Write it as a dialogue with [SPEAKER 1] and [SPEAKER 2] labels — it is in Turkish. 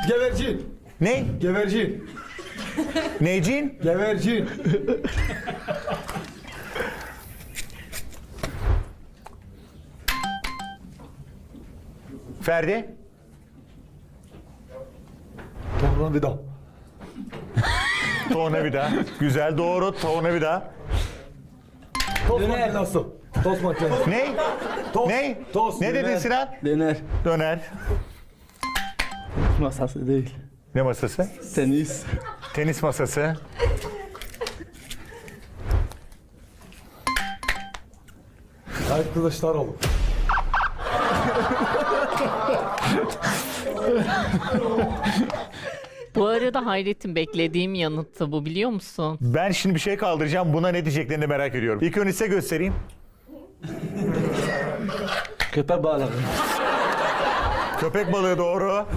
[SPEAKER 1] Gevercin.
[SPEAKER 2] Ne?
[SPEAKER 1] Gevercin.
[SPEAKER 2] Necin?
[SPEAKER 1] Gevercin.
[SPEAKER 2] Ferdi?
[SPEAKER 1] Tornavida.
[SPEAKER 2] Tornavida. Güzel, doğru. Tornavida.
[SPEAKER 1] Tost makinesi. Tost makinesi.
[SPEAKER 2] Ne?
[SPEAKER 1] Tost.
[SPEAKER 2] Ne?
[SPEAKER 1] Tost.
[SPEAKER 2] Ne dedin
[SPEAKER 1] döner.
[SPEAKER 2] Sinan?
[SPEAKER 3] Döner.
[SPEAKER 2] Döner.
[SPEAKER 3] Masası değil.
[SPEAKER 2] Ne masası?
[SPEAKER 3] Tenis.
[SPEAKER 2] Tenis masası.
[SPEAKER 1] Tayyip Kılıçdaroğlu.
[SPEAKER 4] Bu arada Hayrettin beklediğim yanıttı bu, biliyor musun?
[SPEAKER 2] Ben şimdi bir şey kaldıracağım. Buna ne diyeceklerini merak ediyorum. İlk önce size göstereyim.
[SPEAKER 3] Köpek balığı.
[SPEAKER 2] Köpek balığı doğru.